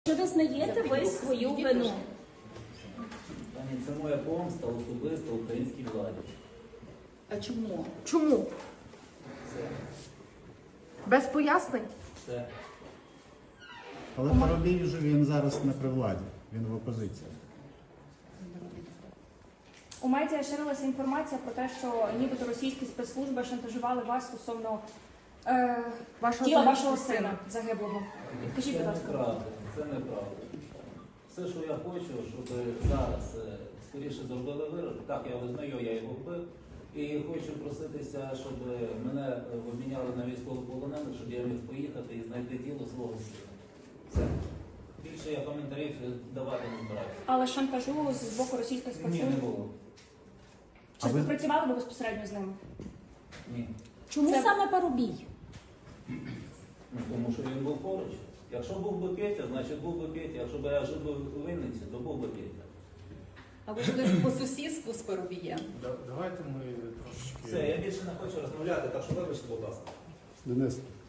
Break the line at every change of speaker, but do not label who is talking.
Чи визнаєте ви свою вину?
Пані, це моя помста особисто українській владі.
А чому?
Чому?
Це,
Без пояснень?
це.
Але Парубій вже він зараз не при владі, він в опозиції.
У медіа ширилася інформація про те, що нібито російські спецслужби шантажували вас стосовно тіла вашого сина загиблого. Скажіть, будь ласка.
Це неправда. Все, що я хочу, щоб зараз скоріше зробили вирок. Так, я визнаю, я його вбив. І хочу проситися, щоб мене обміняли на військовополонених, щоб я міг поїхати і знайти тіло свого сина. Все. Більше я коментарів давати не збираюся.
Але шантажу з боку російських
Ні,
спецслужб?
не було.
Чи співпрацювали ви безпосередньо з ними?
Ні.
Чому
Це-
саме Парубій?
Ну, тому що він був поруч. Якщо був би Петя, значить був би Петя. Якщо б я жив би у Вінниці, то був би Петя.
А ви жили по сусідству з Парубієм?
Давайте ми трошечки...
Все, я більше не хочу розмовляти, так що вибачте, будь ласка.
Денис,